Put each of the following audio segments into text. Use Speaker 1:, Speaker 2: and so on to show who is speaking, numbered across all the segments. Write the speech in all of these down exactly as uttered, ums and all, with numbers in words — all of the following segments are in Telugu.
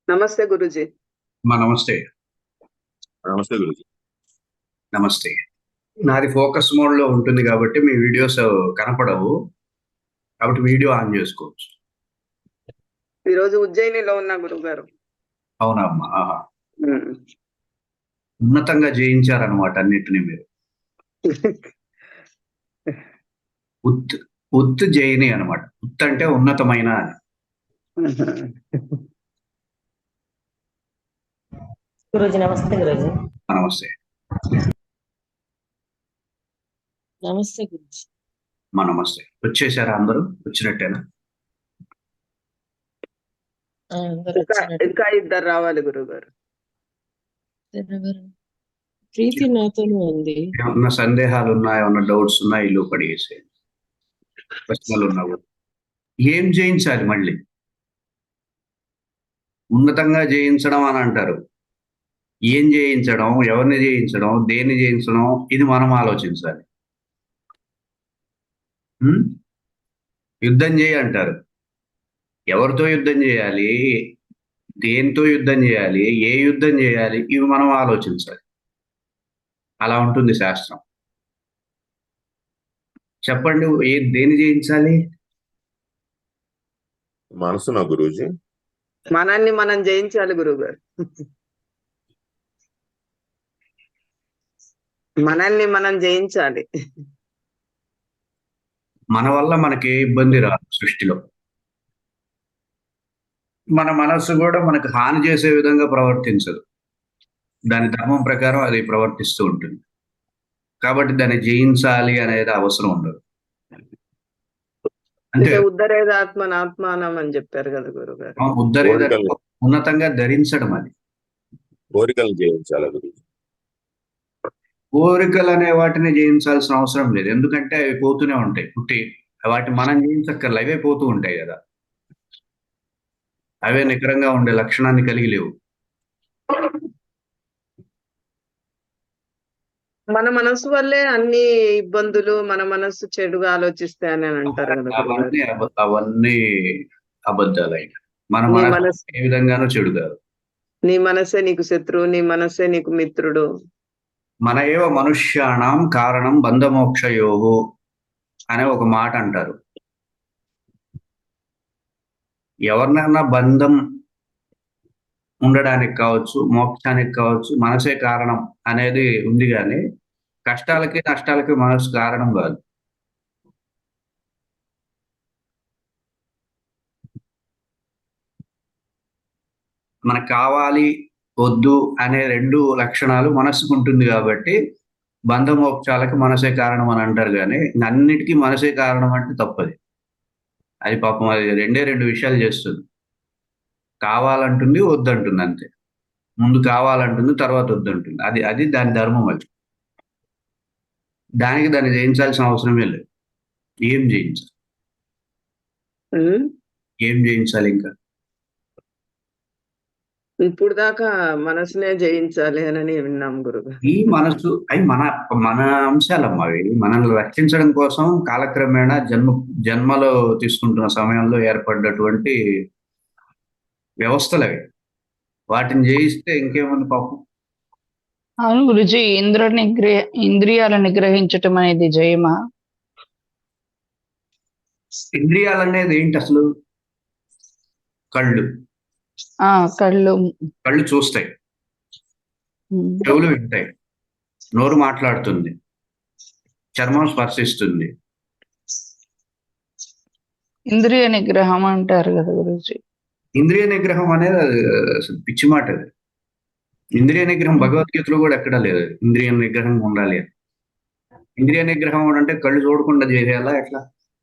Speaker 1: నమస్తే గురూజీ.
Speaker 2: మా నమస్తే.
Speaker 3: నమస్తే గురూజీ.
Speaker 2: నమస్తే. నాది ఫోకస్ మోడ్‌లో ఉంటుంది కాబట్టి మీ వీడియోస్ కనపడవు. కాబట్టి వీడియో ఆన్ చేసుకోవచ్చు.
Speaker 1: ఈరోజు ఉజ్జయినిలో ఉన్నా గురువుగారు.
Speaker 2: అవునా అమ్మా? ఆహా!
Speaker 1: హ్మ్.
Speaker 2: ఉన్నతంగా జయించారనమాట అన్నిటిని మీరు. ఉత్ ఉత్ జయిని అనమాట. ఉత్ అంటే ఉన్నతమైన అని.
Speaker 4: గురూజీ నమస్తే గురూజీ.
Speaker 2: నమస్తే.
Speaker 4: నమస్తే గురూజీ.
Speaker 2: మా నమస్తే. వచ్చేసారా అందరూ? వచ్చినట్టేనా?
Speaker 4: ఆ! అందరూ
Speaker 1: ఇంకా
Speaker 4: వచ్చినట్టు.
Speaker 1: ఇంకా ఇద్దరు రావాలి గురువుగారు.
Speaker 4: ఎవరు? ప్రీతి నాతోనే ఉంది.
Speaker 2: ఏమన్నా సందేహాలు ఉన్నాయా? ఏమన్నా డౌట్స్ ఉన్నాయా? ఇల్లు కడిగేసేయండి. ప్రశ్నలు ఉన్నావు. ఏం జయించాలి మళ్ళీ? ఉన్నతంగా జయించడం అని అంటారు. ఏం జయించడం? ఎవరిని జయించడం? దేన్ని జయించడం? ఇది మనం ఆలోచించాలి. హ్మ్. యుద్ధం చేయి అంటారు. ఎవరితో యుద్ధం చేయాలి? దేనితో యుద్ధం చేయాలి? ఏ యుద్ధం చేయాలి? ఇవి మనం ఆలోచించాలి. అలా ఉంటుంది శాస్త్రం. చెప్పండి ఏ దేన్ని జయించాలి?
Speaker 3: మనసునా గురూజీ?
Speaker 1: మనల్ని మనం జయించాలి గురువుగారు. మనల్ని మనం జయించాలి.
Speaker 2: మన వల్ల మనకి ఏ ఇబ్బంది రాదు సృష్టిలో. మన మనస్సు కూడా మనకు హాని చేసే విధంగా ప్రవర్తించదు. దాని ధర్మం ప్రకారం అది ప్రవర్తిస్తూ ఉంటుంది. కాబట్టి దాన్ని జయించాలి అనేది అవసరం ఉండదు. అంటే
Speaker 1: అంటే ఉద్ధరేద ఆత్మన ఆత్మానం అని చెప్పారు కదా గురువుగారు.
Speaker 2: ఉద్ధరేద
Speaker 3: కోరికలు
Speaker 2: ఉన్నతంగా ధరించడం అది.
Speaker 3: కోరికలు జయించాలా గురూజీ?
Speaker 2: కోరికలు అనే వాటిని జయించాల్సిన అవసరం లేదు. ఎందుకంటే అవి పోతూనే ఉంటాయి. పుట్టి వాటిని మనం జయించక్కర్లే. అవే పోతూ ఉంటాయి కదా. అవే నికరంగా ఉండే లక్షణాన్ని కలిగి లేవు.
Speaker 1: మన మనసు వల్లే అన్ని ఇబ్బందులు, మన మనస్సు చెడుగా ఆలోచిస్తే అని అంటారు కదా గురువుగారు.
Speaker 2: అవన్నీ అబ- అవన్నీ అబద్ధాలైన మన
Speaker 1: నీ
Speaker 2: మనసు
Speaker 1: మనసు
Speaker 2: ఏ విధంగానూ చెడు కాదు.
Speaker 1: నీ మనసే నీకు శత్రువు, నీ మనసే నీకు మిత్రుడు.
Speaker 2: మన ఏవ మనుష్యాణం కారణం బంధమోక్షయోహు అనే ఒక మాట అంటారు. ఎవరినైనా బంధం ఉండడానికి కావచ్చు, మోక్షానికి కావచ్చు, మనసే కారణం అనేది ఉంది కానీ కష్టాలకి నష్టాలకి మనసు కారణం కాదు. మనకు కావాలి వద్దు అనే రెండు లక్షణాలు మనసుకు ఉంటుంది కాబట్టి బంధమోక్షాలకి మనసే కారణం అని అంటారు కానీ అన్నిటికీ మనసే కారణం అంటే తప్పది. అది పాపం అది రెండే రెండు విషయాలు చేస్తుంది. కావాలంటుంది, వద్దంటుంది అంతే. ముందు కావాలంటుంది, తర్వాత వద్దంటుంది. అది అది దాని ధర్మం అది. దానికి దాన్ని జయించాల్సిన అవసరమే లేదు. ఏం జయించాలి?
Speaker 1: ఉమ్.
Speaker 2: ఏం జయించాలి ఇంకా?
Speaker 1: ఇప్పుడు దాకా మనసునే జయించాలి అని విన్నాం గురుగారు.
Speaker 2: ఈ మనసు అవి మన మన అంశాలమ్మా అవి. మనల్ని రక్షించడం కోసం కాలక్రమేణా జన్మ జన్మలో తీసుకుంటున్న సమయంలో ఏర్పడ్డటువంటి వ్యవస్థలు అవి. వాటిని జయిస్తే ఇంకేముంది పాపం.
Speaker 5: అవును గురుజీ, ఇంద్ర నిగ్రహ ఇంద్రియాలను నిగ్రహించటం అనేది జయమా?
Speaker 2: ఇంద్రియాలు అనేది ఏంటి అసలు? కళ్ళు.
Speaker 5: ఆ కళ్ళు.
Speaker 2: కళ్ళు చూస్తాయి,
Speaker 5: ఉమ్,
Speaker 2: చెవులు వింటాయి, నోరు మాట్లాడుతుంది, చర్మం స్పర్శిస్తుంది.
Speaker 5: ఇంద్రియ నిగ్రహం అంటారు కదా గురుజీ.
Speaker 2: ఇంద్రియ నిగ్రహం అనేది అది అసలు పిచ్చి మాట అది. ఇంద్రియ నిగ్రహం భగవద్గీతలో కూడా ఎక్కడా లేదు. ఇంద్రియ నిగ్రహం ఉండాలి అని. ఇంద్రియ నిగ్రహం అంటే కళ్ళు చూడకుండా చేయాలా ఎట్లా?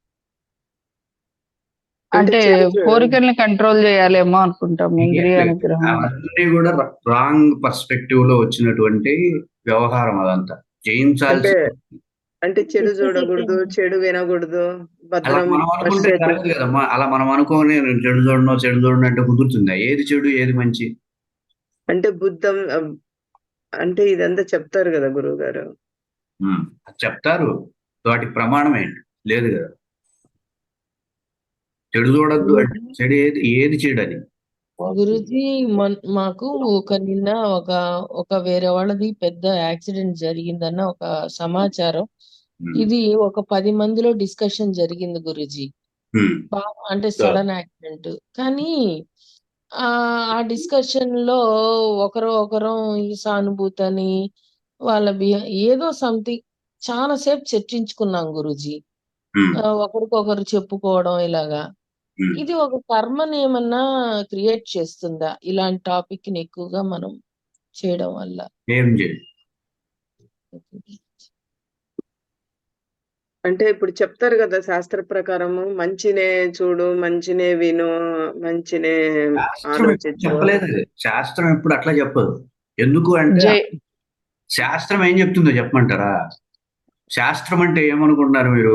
Speaker 5: అంటే
Speaker 1: చెడు చేయడం.
Speaker 5: కోరికల్ని కంట్రోల్ చేయాలేమో అనుకుంటాం ఇంద్రియ
Speaker 2: లేదు.
Speaker 5: నిగ్రహం.
Speaker 2: అవన్నీ కూడా రాంగ్ పర్స్పెక్టివ్ లో వచ్చినటువంటి వ్యవహారం అదంతా. జయించాల్సి
Speaker 1: అంటే అంటే చెడు చూడకూడదు, చెడు వినకూడదు,
Speaker 2: అలా
Speaker 1: భద్రం
Speaker 2: మనం అనుకుంటే
Speaker 1: పశ్చేత్
Speaker 2: జరగదు కదమ్మా. అలా మనం అనుకోని నేను చెడు చూడను చెడు చూడను అంటే కుదురుతుందా? ఏది చెడు ఏది మంచి?
Speaker 1: అంటే బుద్ధం అం, అంటే ఇదంతా చెప్తారు కదా గురువు గారు.
Speaker 2: ఉమ్, అది చెప్తారు. వాటికి ప్రమాణం ఏంటి? లేదు కదా. చెడు చూడొద్దు అంటే చెడు ఏది ఏది చెడు అది?
Speaker 4: గురుజీ మన్ మాకు ఒక నిన్న ఒక ఒక వేరే వాళ్ళది పెద్ద యాక్సిడెంట్ జరిగిందన్న ఒక సమాచారం.
Speaker 2: ఉమ్,
Speaker 4: ఇది ఒక పది మందిలో డిస్కషన్ జరిగింది గురుజీ.
Speaker 2: ఉమ్,
Speaker 4: బాగా అంటే సడన్ యాక్సిడెంట్. కానీ ఆ ఆ డిస్కషన్ లో ఒకరు ఒకరు ఈ సానుభూతి అని వాళ్ళ బిహే ఏదో సంథింగ్ చాలా సేపు చర్చించుకున్నాం గురుజీ.
Speaker 2: ఉమ్,
Speaker 4: ఆ, ఒకరికొకరు చెప్పుకోవడం ఇలాగా.
Speaker 2: ఉమ్.
Speaker 4: ఇది ఒక కర్మని ఏమన్నా క్రియేట్ చేస్తుందా ఇలాంటి టాపిక్ ని ఎక్కువగా మనం చేయడం వల్ల?
Speaker 2: ఏం చేయాలి?
Speaker 1: అంటే ఇప్పుడు చెప్తారు కదా శాస్త్ర ప్రకారము, మంచినే చూడు, మంచినే విను, మంచినే
Speaker 2: శాస్త్రం ఎప్పుడు
Speaker 1: ఆలోచించు.
Speaker 2: చెప్పలేదు అది. శాస్త్రం ఎప్పుడు అట్లా చెప్పదు. ఎందుకు అంటే
Speaker 5: జై
Speaker 2: శాస్త్రం ఏం చెప్తుందో చెప్పమంటారా? శాస్త్రం అంటే ఏమనుకుంటున్నారు మీరు?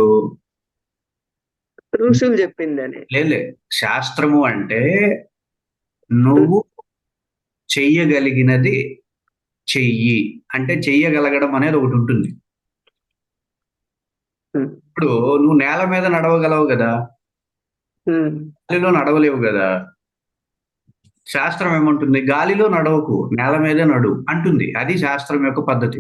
Speaker 1: ఋషులు చెప్పిందని.
Speaker 2: లేలే, శాస్త్రము అంటే నువ్వు చెయ్యగలిగినది చెయ్యి అంటే చెయ్యగలగడం అనేది ఒకటి ఉంటుంది.
Speaker 1: ఉమ్,
Speaker 2: ఇప్పుడు నువ్వు నేల మీద నడవగలవు కదా,
Speaker 1: ఉమ్,
Speaker 2: గాలిలో నడవలేవు కదా. శాస్త్రం ఏమంటుంది? గాలిలో నడవకు, నేల మీదే నడు అంటుంది. అది శాస్త్రం యొక్క పద్ధతి.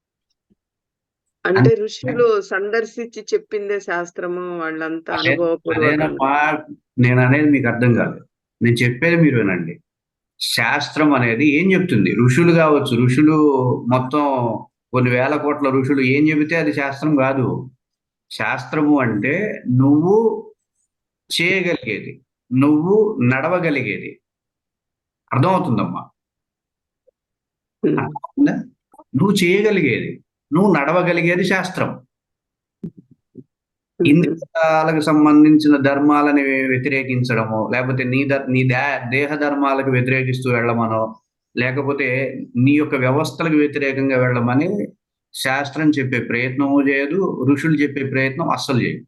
Speaker 1: అంటే ఋషులు సందర్శించి చెప్పిందే శాస్త్రము, వాళ్ళంతా
Speaker 2: అదే
Speaker 1: అనుభవపూర్వకంగా.
Speaker 2: అదేనమ్మా, నేను అనేది మీకు అర్థం కాదు. నేను చెప్పేది మీరు వినండి. శాస్త్రం అనేది ఏం చెప్తుంది? ఋషులు కావచ్చు, ఋషులు మొత్తం కొన్ని వేల కోట్ల ఋషులు ఏం చెబితే అది శాస్త్రం కాదు. శాస్త్రము అంటే నువ్వు చేయగలిగేది, నువ్వు నడవగలిగేది. అర్థమవుతుందమ్మా?
Speaker 1: ఉమ్,
Speaker 2: అర్థమవుతుందా? నువ్వు చేయగలిగేది, నువ్వు నడవగలిగేది శాస్త్రం.
Speaker 1: ఉమ్,
Speaker 2: ఇంద్రియాలకు సంబంధించిన ధర్మాలని వ్యతిరేకించడము, లేకపోతే నీ ద నీ దే దేహ ధర్మాలకు వ్యతిరేకిస్తూ వెళ్ళమనో, లేకపోతే నీ యొక్క వ్యవస్థలకు వ్యతిరేకంగా వెళ్ళమని శాస్త్రం చెప్పే ప్రయత్నము చేయదు, ఋషులు చెప్పే ప్రయత్నం అస్సలు చేయదు.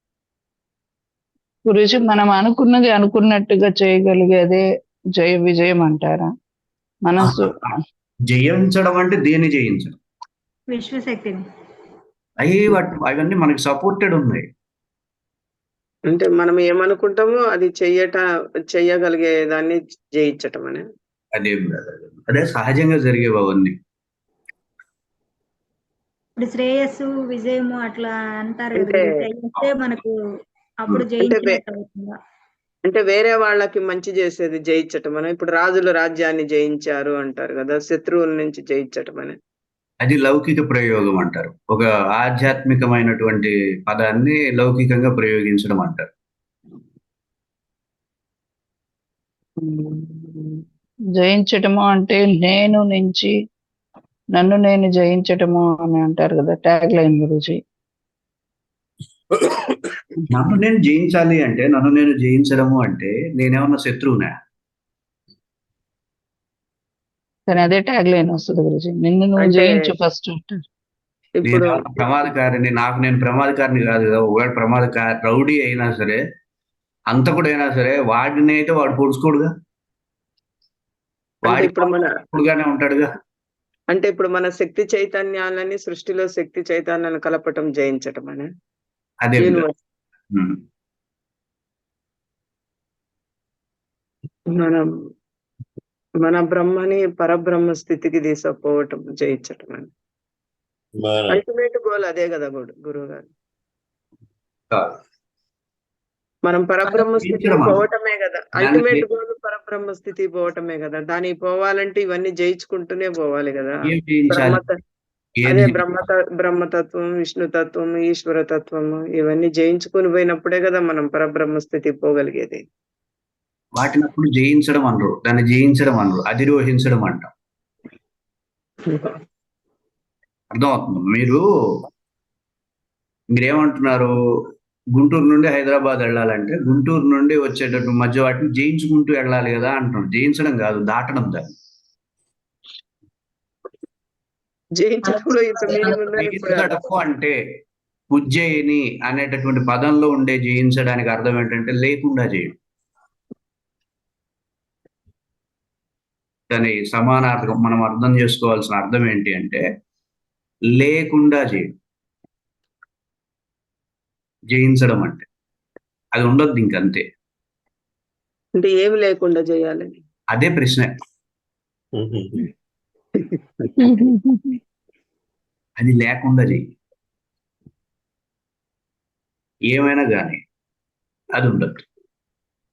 Speaker 5: గురుజీ, మనం అనుకున్నది అనుకున్నట్టుగా చేయగలిగేదే జయ విజయం అంటారా? మనసు
Speaker 2: జయించడం అంటే దేన్ని జయించడం?
Speaker 6: విశ్వశక్తిని.
Speaker 2: అవి వాటి అవన్నీ మనకి సపోర్టెడ్ ఉన్నాయి.
Speaker 1: అంటే మనం ఏమనుకుంటామో అది చెయ్యట చెయ్యగలిగే దాన్ని జయించటం అనే.
Speaker 2: అదేం కాదు. అదే సహజంగా జరిగేవి అవన్నీ.
Speaker 6: ఇప్పుడు శ్రేయస్సు విజయము అట్లా అంటారు కదా,
Speaker 1: అంటే-
Speaker 6: ఇది చేస్తే మనకు అప్పుడు
Speaker 2: అంటే
Speaker 6: జయించినట్టు అవుతుందా?
Speaker 1: అంటే వేరే వాళ్ళకి మంచి చేసేది జయించటం అని. ఇప్పుడు రాజులు రాజ్యాన్ని జయించారు అంటారు కదా, శత్రువుల నుంచి జయించటం అని.
Speaker 2: అది లౌకిక ప్రయోగం అంటారు. ఒక ఆధ్యాత్మికమైనటువంటి పదాన్ని లౌకికంగా ప్రయోగించడం అంటారు.
Speaker 5: జయించటము అంటే నేను నుంచి నన్ను నేను జయించటము అని అంటారు కదా, ట్యాగ్ లైన్ గురుజీ.
Speaker 2: నన్ను నేను జయించాలి అంటే, నన్ను నేను జయించడము అంటే నేనేమన్నా శత్రువునా?
Speaker 5: కానీ అదే ట్యాగ్ లైన్ వస్తుంది గురుజీ, నిన్ను నువ్వు
Speaker 1: అంటే-
Speaker 5: జయించు ఫస్ట్ అంటారు.
Speaker 1: ఇప్పుడు
Speaker 2: నేను ప్రమాదకారిని, నాకు నేను ప్రమాదకారిని కాదు కదా. ఒకవేళ ప్రమాదకారి రౌడీ అయినా సరే, అంతకుడైనా సరే, వాడిని అయితే వాడు పొడుచుకోడుగా,
Speaker 1: అంటే
Speaker 2: వాడి
Speaker 1: ఇప్పుడు మన
Speaker 2: పొడుగానే ఉంటాడుగా.
Speaker 1: అంటే ఇప్పుడు మన శక్తి చైతన్యాలని సృష్టిలో శక్తి చైతన్యాన్ని కలపటం జయించటం అని.
Speaker 2: అదే
Speaker 1: యూనివర్స్
Speaker 2: ఉమ్.
Speaker 1: మనం మన బ్రహ్మని పరబ్రహ్మ స్థితికి తీసుకుపోవటం జయించటం అని.
Speaker 3: మన
Speaker 1: అల్టిమేట్ గోల్ అదే కదా గురు గురువు గారు.
Speaker 2: కాదు.
Speaker 1: మనం పరబ్రహ్మ స్థితికి
Speaker 2: జయించడం అన్న.
Speaker 1: పోవటమే కదా
Speaker 2: దాన్ని
Speaker 1: అల్టిమేట్
Speaker 2: జయి-
Speaker 1: గోల్, పరబ్రహ్మ స్థితికి పోవటమే కదా. దానికి పోవాలంటే ఇవన్నీ జయించుకుంటూనే పోవాలి కదా.
Speaker 2: ఏం జయించాలి?
Speaker 1: బ్రహ్మత
Speaker 2: ఏది
Speaker 1: అదే
Speaker 2: జయించాలి?
Speaker 1: బ్రహ్మత బ్రహ్మతత్వం, విష్ణుతత్వం, ఈశ్వరతత్వము ఇవన్నీ జయించుకుని పోయినప్పుడే కదా మనం పరబ్రహ్మ స్థితికి పోగలిగేది.
Speaker 2: వాటిని అప్పుడు జయించడం అనరు, దాన్ని జయించడం అనరు, అధిరోహించడం అంటాం. అర్థమవుతుంది? మీరు మీరేమంటున్నారు? గుంటూరు నుండి హైదరాబాద్ వెళ్ళాలంటే గుంటూరు నుండి వచ్చేటట్టు మధ్య వాటిని జయించుకుంటూ వెళ్ళాలి కదా అంటున్నాడు. జయించడం కాదు, దాటడం దాన్ని.
Speaker 1: జయించడంలో ఇంత మీనింగ్ ఉందని ఇప్పుడు
Speaker 2: జయించడము అంటే ఉజ్జయిని అనేటటువంటి పదంలో ఉండే జయించడానికి అర్థం ఏంటంటే లేకుండా చేయడం. దాని సమానార్థకం మనం అర్థం చేసుకోవాల్సిన అర్థం ఏంటి అంటే లేకుండా చేయడం. జయించడం అంటే అది ఉండొద్దు ఇంకంతే.
Speaker 1: అంటే ఏమి లేకుండా చేయాలని.
Speaker 2: అదే ప్రశ్న. అది లేకుండా చెయ్యి, ఏమైనా కానీ అది ఉండదు.